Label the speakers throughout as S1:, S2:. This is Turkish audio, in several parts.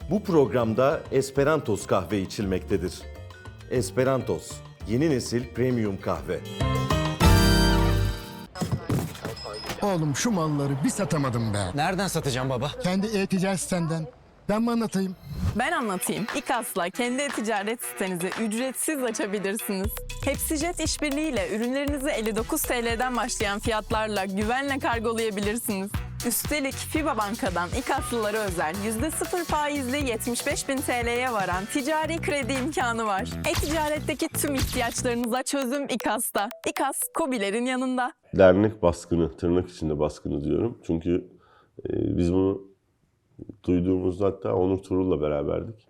S1: Bu programda Esperantos kahve içilmektedir. Esperantos, yeni nesil premium kahve.
S2: Oğlum şu malları bir satamadım be.
S3: Nereden satacağım baba?
S2: Kendi e-ticaret sitenden. Ben mi anlatayım?
S4: Ben anlatayım. İKAS'la kendi e-ticaret sitenizi ücretsiz açabilirsiniz. Hepsijet işbirliğiyle ürünlerinizi 59 TL'den başlayan fiyatlarla güvenle kargolayabilirsiniz. Üstelik FİBA Banka'dan İKAS'lılara özel %0 faizli 75.000 TL'ye varan ticari kredi imkanı var. E-ticaretteki tüm ihtiyaçlarınıza çözüm İKAS'ta. İKAS, KOBİ'lerin yanında.
S5: Dernek baskını, tırnak içinde baskını diyorum. Çünkü biz bunu duyduğumuzda hatta Onur Turul'la beraberdik.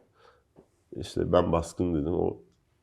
S5: İşte ben baskın dedim. O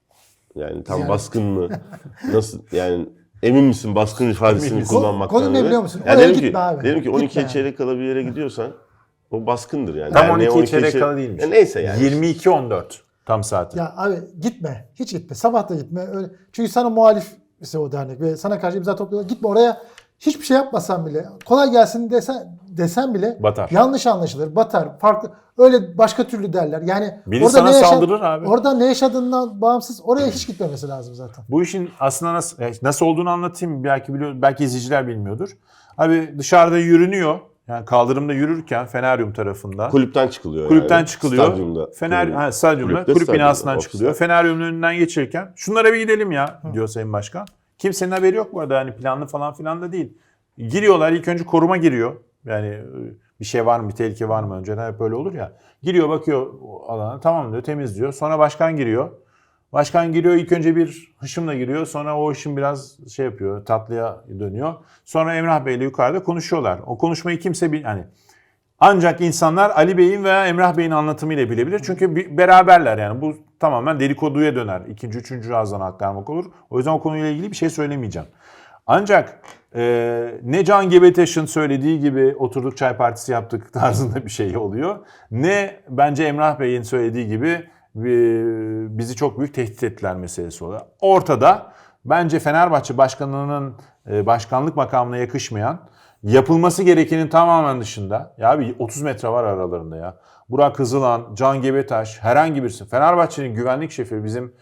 S5: yani tam baskın mı? Nasıl yani emin misin baskın ifadesini kullanmaktan?
S6: Konu ne biliyor musun?
S5: Yani
S6: Oraya
S5: dedim
S6: gitme abi.
S5: Dedim ki 12
S6: Gitme
S5: çeyrek kala bir yere gidiyorsan o baskındır yani.
S7: Tam
S5: Yani
S7: 12 çeyrek kala değilmiş.
S5: Neyse yani.
S7: 22-14 tam saati.
S6: Ya abi gitme. Hiç gitme. Sabah da gitme. Öyle. Çünkü sana muhalif ise o dernek ve sana karşı imza topluyorlar. Gitme oraya. Hiçbir şey yapmasan bile, kolay gelsin desen bile
S7: Batar.
S6: yanlış anlaşılır, batar, farklı. Öyle başka türlü derler. Yani
S7: Biri sana saldırır abi.
S6: Orada ne yaşadığından bağımsız oraya hiç gitmemesi lazım zaten.
S7: Bu işin aslında nasıl olduğunu anlatayım. Belki izleyiciler bilmiyordur. Abi dışarıda yürünüyor. Yani kaldırımda yürürken Feneryum tarafında.
S5: Kulüpten çıkılıyor
S7: Kulüpten
S5: yani.
S7: çıkılıyor.
S5: Stadyumda.
S7: Stadyumda.
S5: Kulüpte,
S7: Kulüp
S5: stadyumda,
S7: binasından
S5: ofiste.
S7: çıkılıyor. Feneryum'un önünden geçerken şunlara bir gidelim ya diyor Sayın Başkan. Kimsenin haberi yok bu arada. Yani planlı falan filan da değil. Giriyorlar. İlk önce koruma giriyor. Yani bir şey var mı, bir tehlike var mı? Önceden hep öyle olur ya. Giriyor bakıyor alana. Tamam diyor, temizliyor. Sonra başkan giriyor. Başkan giriyor, ilk önce bir hışımla giriyor. Sonra o hışım biraz şey yapıyor, tatlıya dönüyor. Sonra Emrah Bey'le yukarıda konuşuyorlar. O konuşmayı kimse yani ancak insanlar Ali Bey'in veya Emrah Bey'in anlatımıyla bilebilir. Çünkü beraberler yani. Bu tamamen dedikoduya döner. İkinci, üçüncü ağızdan aktarmak olur. O yüzden o konuyla ilgili bir şey söylemeyeceğim. Ancak ne Can Gebetaş'ın söylediği gibi oturduk çay partisi yaptık tarzında bir şey oluyor. Ne bence Emrah Bey'in söylediği gibi bizi çok büyük tehdit ettiler meselesi oluyor. Ortada bence Fenerbahçe Başkanı'nın başkanlık makamına yakışmayan, yapılması gerekenin tamamen dışında. Ya bir 30 metre var aralarında ya. Burak Hızılan, Can Gebetaş, herhangi birisi. Fenerbahçe'nin güvenlik şefi bizim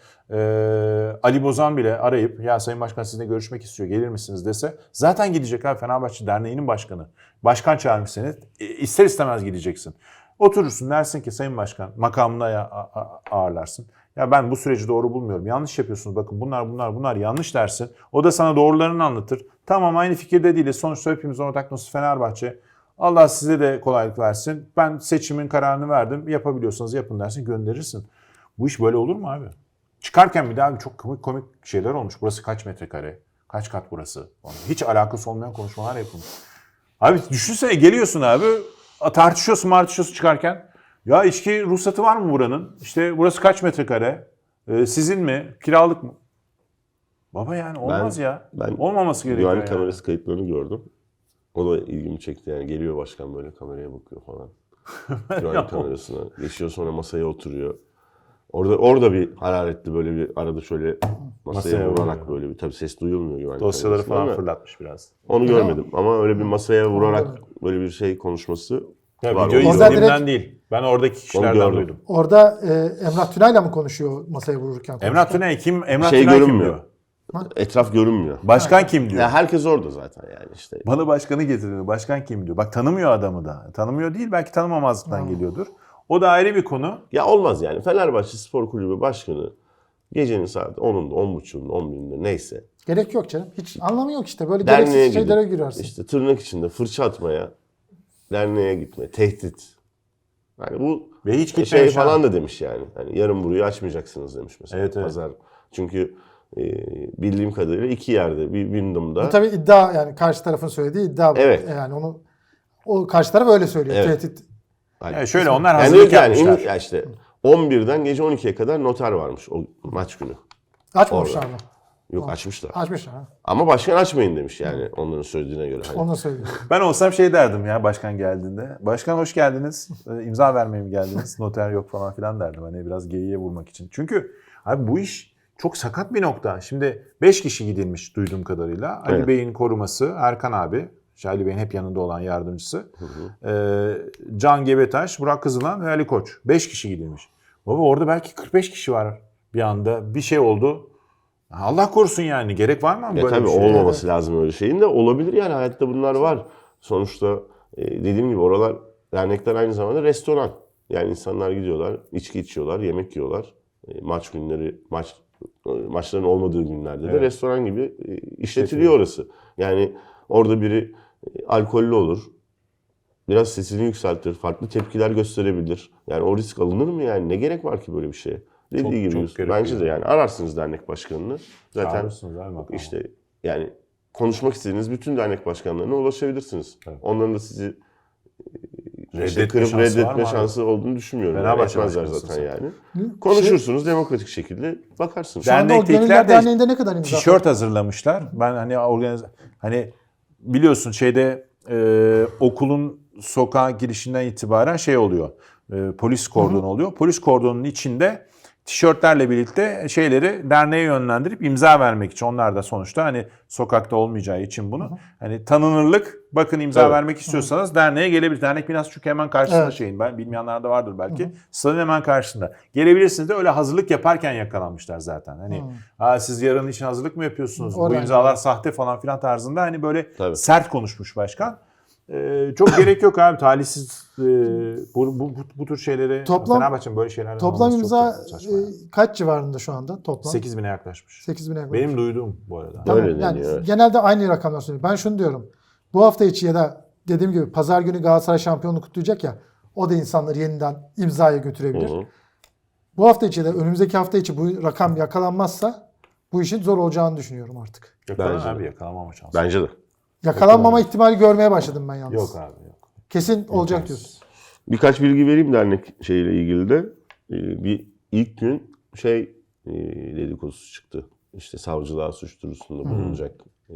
S7: Ali Bozan bile arayıp ya Sayın Başkan sizinle görüşmek istiyor gelir misiniz dese zaten gidecek abi. Fenerbahçe Derneği'nin başkanı. Başkan çağırmış seni. İster istemez gideceksin. Oturursun dersin ki Sayın Başkan makamına ağırlarsın. Ya ben bu süreci doğru bulmuyorum. Yanlış yapıyorsunuz. Bakın bunlar yanlış dersin. O da sana doğrularını anlatır. Tamam aynı fikirde değiliz. Sonuçta hepimiz ortak noktası Fenerbahçe. Allah size de kolaylık versin. Ben seçimin kararını verdim. Yapabiliyorsanız yapın dersin gönderirsin. Bu iş böyle olur mu abi? Çıkarken bir daha çok komik şeyler olmuş. Burası kaç metrekare? Kaç kat burası? Hiç alakası olmayan konuşmalar yapılmış. Abi düşünsene geliyorsun abi. Tartışıyorsun çıkarken. Ya içki ruhsatı var mı buranın? İşte burası kaç metrekare? Sizin mi? Kiralık mı? Baba yani olmaz
S5: Ben
S7: olmaması gerekiyor
S5: güvenlik
S7: yani.
S5: kamerası kayıtlarını gördüm. O da ilgimi çekti yani. Geliyor başkan böyle kameraya bakıyor falan. Güvenlik kamerasına. Geçiyor sonra masaya oturuyor. Orada bir hararetli böyle bir arada şöyle masaya vurarak böyle bir tabii ses duyulmuyor güvenlik
S7: Dosyaları
S5: kamerasında
S7: falan
S5: ama
S7: fırlatmış biraz.
S5: onu görmedim ama öyle bir masaya vurarak böyle bir şey konuşması
S7: Ya
S5: var.
S7: videoyu
S6: Orada
S7: izlediğimden
S6: direkt-
S7: değil. Ben oradaki
S5: Onu
S7: kişilerden
S5: gördüm.
S7: duydum.
S6: Orada Emrah Tünay'la mı konuşuyor masaya vururken?
S7: Emrah Tünay kim? Emrah
S5: Şey
S7: Tünay kim
S5: görünmüyor.
S7: diyor?
S5: Etraf görünmüyor.
S7: Başkan kim diyor?
S5: Ya herkes orada zaten yani işte.
S7: Bana başkanı getiriyor. Başkan kim diyor? Bak tanımıyor adamı da. Tanımıyor değil belki tanımamazlıktan geliyordur. O da ayrı bir konu.
S5: Ya olmaz yani. Fenerbahçe Spor Kulübü Başkanı gecenin saat 10'unda, 10.30'unda, 11'inde neyse.
S6: Gerek yok canım. Hiç anlamı yok işte. Böyle
S5: Derneğe
S6: gereksiz şeylere
S5: gidip
S6: girersin.
S5: işte tırnak içinde fırça atmaya, derneğe gitme, tehdit. Yani bu
S7: Ve hiç
S5: şey
S7: gitmemiş ha.
S5: falan da demiş yani. Hani yarın burayı açmayacaksınız demiş mesela.
S7: Evet, evet.
S5: Pazar. Çünkü bildiğim kadarıyla iki yerde. Bir Wyndham'da.
S6: Bu tabii iddia yani karşı tarafın söylediği iddia.
S5: Evet.
S6: Yani o karşı taraf öyle söylüyor.
S5: Evet.
S6: Tehdit.
S7: Yani şöyle onlar
S5: Yani
S7: hazırlık
S5: diyor ki
S7: yapmışlar.
S5: ya işte 11'den gece 12'ye kadar noter varmış o maç günü.
S6: Açmamışlar mı?
S5: Yok açmışlar.
S6: Açmışlar. Ha.
S5: Ama başkan açmayın demiş yani onların söylediğine göre. Hani.
S6: Onu söylüyor.
S7: Ben olsam şey derdim ya başkan geldiğinde. Başkan hoş geldiniz. İmza vermeye mi geldiniz? Noter yok falan filan derdim. Hani biraz geyiğe vurmak için. Çünkü abi bu iş çok sakat bir nokta. Şimdi 5 kişi gidilmiş duyduğum kadarıyla. Ali
S5: Evet.
S7: Bey'in koruması, Erkan abi, Ali Bey'in hep yanında olan yardımcısı. Can Gebetaş, Burak Kızılan ve Ali Koç. 5 kişi gidilmiş. Baba orada belki 45 kişi var bir anda. Bir şey oldu. Allah korusun yani. Gerek var mı böyle
S5: Tabii
S7: bir şey?
S5: olmaması lazım öyle şeyin de. Olabilir yani, hayatta bunlar var. Sonuçta dediğim gibi oralar, dernekler aynı zamanda restoran. Yani insanlar gidiyorlar, içki içiyorlar, yemek yiyorlar. Maç günleri, maçların olmadığı günlerde de restoran gibi işletiliyor orası. Yani orada biri alkollü olur, biraz sesini yükseltir, farklı tepkiler gösterebilir. Yani o risk alınır mı yani? Ne gerek var ki böyle bir şeye? Dediği gibi
S7: çok
S5: bence de yani ararsınız dernek başkanını. Zaten
S7: Çağırırsınız abi bakalım.
S5: işte yani konuşmak istediğiniz bütün dernek başkanlarına ulaşabilirsiniz.
S7: Evet.
S5: Onların da sizi
S7: Reddetme
S5: kırıp
S7: şansı var
S5: reddetme
S7: mı abi?
S5: şansı olduğunu düşünmüyorum.
S7: Fenerbahçe
S5: Yani etmezler
S7: başkanısın
S5: zaten
S7: sen.
S5: yani. Konuşursunuz demokratik şekilde, bakarsınız.
S6: Şu anda o
S7: Dernektekiler
S6: Gönüller
S7: de
S6: Derneği'nde ne kadar imza
S7: tişört hazırlamışlar. Ben hani biliyorsun okulun sokağa girişinden itibaren oluyor. Polis kordonu oluyor. Polis kordonunun içinde tişörtlerle birlikte derneğe yönlendirip imza vermek için, onlar da sonuçta hani sokakta olmayacağı için bunu hani tanınırlık, bakın imza
S5: Evet.
S7: vermek istiyorsanız derneğe gelebilir. Dernek binası çünkü hemen karşısında
S6: Evet.
S7: ben bilmeyenler de vardır belki. Stadın hemen karşısında. Gelebilirsiniz de öyle hazırlık yaparken yakalanmışlar zaten. Hani siz yarın için hazırlık mı yapıyorsunuz? Bu
S6: Oradan
S7: imzalar sahte falan filan tarzında hani böyle
S5: Tabii.
S7: sert konuşmuş başkan. Çok gerek yok abi, talihsiz bu tür şeyleri, Fenerbahçe'nin böyle şeylerden
S6: Toplam
S7: olması
S6: imza
S7: çok saçma yani.
S6: kaç civarında şu anda toplam?
S7: 8.000'e yaklaşmış.
S6: 8.000'e yakın.
S7: Benim duyduğum bu arada.
S6: Tamam,
S5: Öyle
S6: yani
S5: deniyor, evet.
S6: genelde aynı rakamlar söylüyorum. Ben şunu diyorum. Bu hafta içi ya da dediğim gibi pazar günü Galatasaray şampiyonluğu kutlayacak ya, o da insanları yeniden imzaya götürebilir.
S5: Hı hı.
S6: Bu hafta içi de önümüzdeki hafta içi bu rakam yakalanmazsa bu işin zor olacağını düşünüyorum artık.
S7: Yakalan
S5: Bence de.
S7: abi, yakalanmama şansı.
S5: Bence de.
S6: Yakalanmama ihtimali görmeye başladım ben yalnız.
S7: Yok abi yok.
S6: Kesin olacak diyorsun.
S5: Birkaç bilgi vereyim dernek şeyle ilgili de. Bir ilk gün dedikodusu çıktı. İşte savcılığa suç duyurusunda bulunacak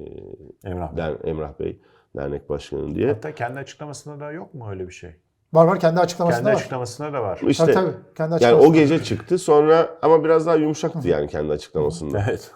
S7: Emrah Bey.
S5: Emrah Bey dernek başkanı diye.
S7: Hatta kendi açıklamasında da yok mu öyle bir şey?
S6: Var kendi açıklamasında
S7: Kendi
S6: var.
S7: açıklamasında da var.
S5: İşte
S6: Tabii. Kendi
S5: yani
S6: açıklamasında
S5: o gece çıktı sonra, ama biraz daha yumuşaktı yani kendi açıklamasında.
S7: Evet.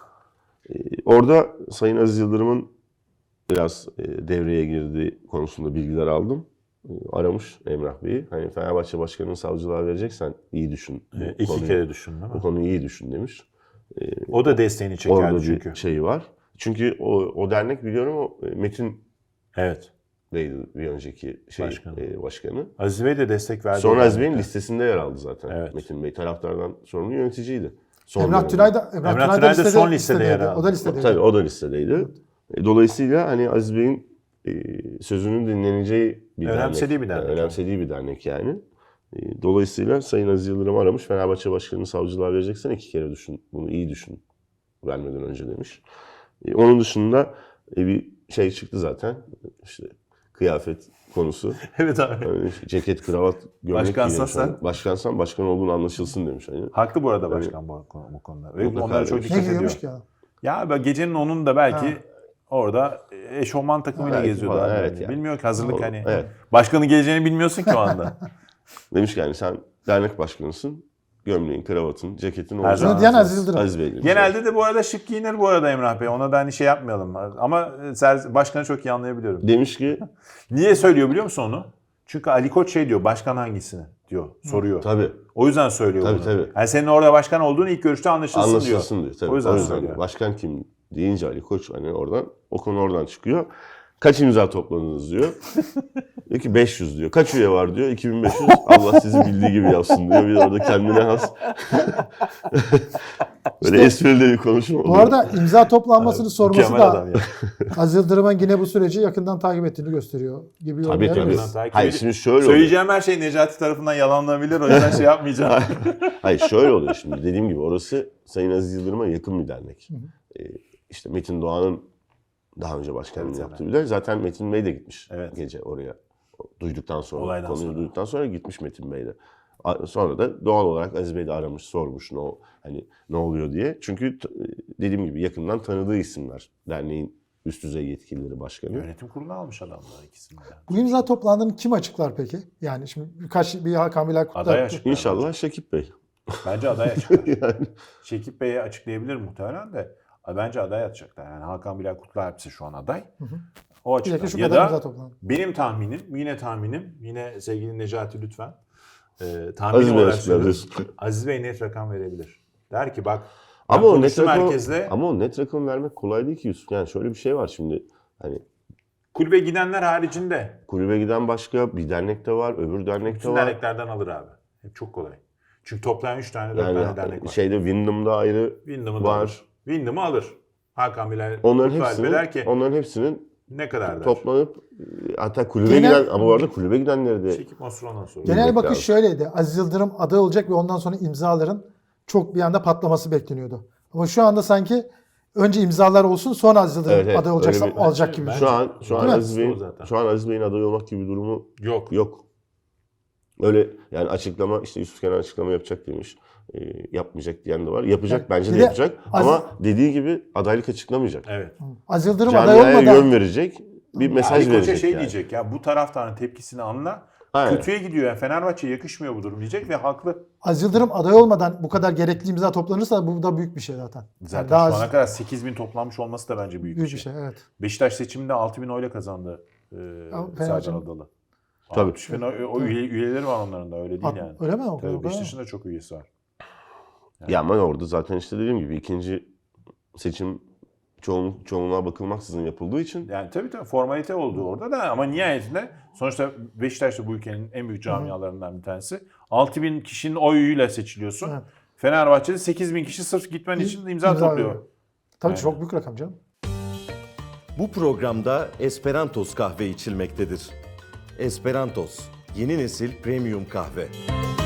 S5: Orada Sayın Aziz Yıldırım'ın biraz devreye girdiği konusunda bilgiler aldım. Aramış Emrah Bey'i. Hani Fenerbahçe başkanını savcılığa vereceksen iyi düşün. Bu
S7: 2
S5: konuyu-
S7: kere düşün değil
S5: Bu
S7: mi?
S5: konuyu iyi düşün demiş.
S7: O da desteğini
S5: Orada
S7: çekerdi
S5: bir
S7: çünkü.
S5: şey var. Çünkü o dernek biliyorum Metin
S7: Evet.
S5: Bey'di bir önceki başkanı.
S7: Aziz Bey de destek verdi.
S5: Sonra
S7: o
S5: Aziz Bey'in
S7: dernekte.
S5: listesinde yer aldı zaten.
S7: Evet.
S5: Metin Bey taraftardan sorumlu yöneticiydi. Son
S6: Emrah
S5: dönemde.
S6: Tünay da
S7: Tünay da son listede yer aldı.
S6: O da listedeydi.
S5: Tabii o da listedeydi. Dolayısıyla hani Aziz Bey'in sözünün dinleneceği bir
S7: Önemsediği bir dernek.
S5: Önemsediği bir dernek yani. Dolayısıyla Sayın Aziz Yıldırım aramış. Fenerbahçe başkanını savcılığa vereceksen 2 kere düşün. Bunu iyi düşün. Vermeden önce demiş. Onun dışında bir şey çıktı zaten. İşte kıyafet konusu.
S7: Evet abi.
S5: Yani ceket, kravat, gömlek
S7: Başkansan
S5: giymiş.
S7: sen.
S5: Başkansan başkan olduğunu anlaşılsın demiş. Hani.
S7: Haklı bu arada başkan bu konuda. Ve
S5: Mutlaka
S7: onlara çok
S5: demiş.
S6: Ne
S7: dikkat
S6: giyiyormuş
S7: ediyor.
S6: ki ya?
S7: Ya gecenin 10'unda belki orada eşofman takımıyla
S5: Belki
S7: geziyordu.
S5: falan,
S7: abi.
S5: evet yani.
S7: Bilmiyor ki hazırlık
S5: Doğru,
S7: hani.
S5: evet.
S7: Başkanın geleceğini bilmiyorsun ki o anda.
S5: Demiş ki yani sen dernek başkanısın. Gömleğin, kravatın, ceketin
S7: Her
S5: olacak.
S7: zaman
S6: Bunu diyen Aziz Yıldırım.
S5: Aziz Bey demiş.
S7: Genelde de bu arada şık giyinir bu arada Emrah Bey. Ona da hani şey yapmayalım. Ama başkanı çok iyi anlayabiliyorum.
S5: Demiş ki
S7: Niye söylüyor biliyor musun onu? Çünkü Ali Koç diyor, başkan hangisini diyor, soruyor.
S5: tabii
S7: O yüzden söylüyor
S5: Tabii,
S7: bunu.
S5: tabii.
S7: Yani senin orada başkan olduğunu ilk görüşte anlaşılsın diyor.
S5: anlaşılsın diyor. Tabii.
S7: O yüzden söylüyor.
S5: başkan kim deyince Ali Koç hani o konu oradan çıkıyor. Kaç imza topladınız diyor. Diyor ki 500 diyor. Kaç üye var diyor. 2500. Allah sizi bildiği gibi yapsın diyor. Bir de orada kendine has. Böyle esprili bir konuşma
S6: Bu
S5: oluyor.
S6: arada imza toplanmasını sorması
S7: Mükemmel
S6: da
S7: adam ya.
S6: Aziz Yıldırım'ın yine bu süreci yakından takip ettiğini gösteriyor gibi
S5: Tabii tabii.
S6: yorumlayabiliriz.
S7: Takip
S5: Hayır
S7: edip-
S5: şimdi şöyle oluyor.
S7: Söyleyeceğim her şey Necati tarafından yalanlanabilir. O yüzden şey yapmayacağım.
S5: Hayır şöyle oluyor şimdi. Dediğim gibi orası Sayın Aziz Yıldırım'a yakın bir dernek. İşte Metin Doğan'ın daha önce başkanlığını
S7: Evet,
S5: yaptığı bir dernek. Zaten Metin Bey de gitmiş
S7: Evet.
S5: gece oraya. Duyduktan sonra,
S7: Olaydan
S5: konuyu
S7: sonra.
S5: duyduktan sonra gitmiş Metin Bey de. Sonra da doğal olarak Aziz Bey de aramış, sormuş ne oluyor diye. Çünkü dediğim gibi yakından tanıdığı isimler. Derneğin üst düzey yetkilileri, başkanı.
S7: Yönetim kuruluna almış adamlar ikisini de.
S6: Bu imza toplandığını kim açıklar peki? Yani şimdi bir Hakan Bilal Kutlar.
S7: Aday açıklar.
S5: İnşallah Şekip Bey.
S7: Bence aday açıklar.
S5: Yani
S7: Şekip Bey'e açıklayabilir muhtemelen de. Bence aday atacaklar. Yani Hakan Bilal Kutlualp ise şu an aday. O
S6: Bir dakika
S7: açıdan.
S6: şu
S7: Ya
S6: kadar imza
S7: da
S6: toplandı.
S7: benim tahminim, yine sevgili Necati lütfen tahmin
S5: Aziz Bey
S7: olarak
S5: açıklar
S7: söylüyorum. Aziz Bey net rakam verebilir. Der ki bak
S5: Ama
S7: ben
S5: o net
S7: konuştum
S5: rakam,
S7: herkesle.
S5: ama o net rakam vermek kolay değil ki Yusuf. Yani şöyle bir şey var şimdi. Hani
S7: Kulübe gidenler haricinde
S5: kulübe giden başka bir dernekte var, öbür dernekte
S7: bütün
S5: var.
S7: derneklerden alır abi. Hep çok kolay. Çünkü toplayan 3 tane 4 tane dernek
S5: Yani
S7: var.
S5: şeyde Wyndham'da ayrı
S7: Wyndham'ı da
S5: var.
S7: alır. Wyndham'ı alır. Hakan Bilal
S5: Onların
S7: Kutlu Alp'e der ki
S5: onların hepsinin
S7: ne kadar der.
S5: toplanıp hatta kulübe
S6: Genel-
S5: giden, ama bu arada kulübe gidenleri de
S7: Çekip Osman'dan sonra.
S6: Genel
S5: bilmek
S6: bakış
S5: lazım.
S6: şöyleydi. Aziz Yıldırım aday olacak ve ondan sonra imzaların çok bir anda patlaması bekleniyordu. Ama şu anda sanki önce imzalar olsun sonra Aziz Yıldırım
S5: Evet, evet.
S6: aday olacaksa
S5: Öyle bir-
S6: alacak gibi.
S7: Ben-
S5: şu an
S6: Değil mi?
S5: Aziz
S7: O
S5: Bey'in
S7: zaten.
S5: şu an Aziz Bey'in aday olmak gibi bir durumu
S7: Yok.
S5: yok. Öyle yani açıklama, işte Yusuf Kenan açıklama yapacak demiş. Yapmayacak diyen de var. Yapacak,
S6: Yani
S5: bence
S6: bir
S5: de
S6: de
S5: yapacak.
S6: Aziz-
S5: Ama dediği gibi adaylık açıklamayacak.
S7: Evet.
S6: Aziz Yıldırım aday
S5: Camiaya
S6: olmadan
S5: yön verecek, bir mesaj
S7: Ali Koç'a
S5: verecek
S7: şey
S5: yani.
S7: diyecek ya bu taraftarın tepkisini anla.
S5: Aynen.
S7: Kötüye gidiyor yani Fenerbahçe'ye yakışmıyor bu durum diyecek ve haklı.
S6: Aziz Yıldırım aday olmadan bu kadar gerekli imza toplanırsa bu da büyük bir şey zaten.
S7: Zaten
S6: Yani daha
S7: şu ana
S6: az-
S7: kadar 8.000 toplanmış olması da bence büyük,
S6: büyük bir şey evet.
S7: Beşiktaş seçiminde 6.000 oyla kazandı Serdar
S6: Fenerbahçe'nin-
S7: Adalı.
S5: Tabii.
S7: 60.000 üyeleri var onların da öyle değil yani.
S6: Öyle mi? O kadar,
S7: Tabii
S6: o kadar.
S7: Beşiktaş'ın da çok üyesi var.
S5: Ya ama orada zaten işte dediğim gibi ikinci seçim çoğunluğa bakılmaksızın yapıldığı için
S7: Yani tabii formalite oldu orada da ama nihayetinde sonuçta Beşiktaş da bu ülkenin en büyük camialarından bir tanesi. 6.000 kişinin oyuyla seçiliyorsun.
S6: Evet.
S7: Fenerbahçe'de 8.000 kişi sırf gitmen için imza topluyor.
S6: veriyor. Tabii
S7: Aynen.
S6: çok büyük rakam canım.
S1: Bu programda Esperantos kahve içilmektedir. Esperantos, yeni nesil premium kahve.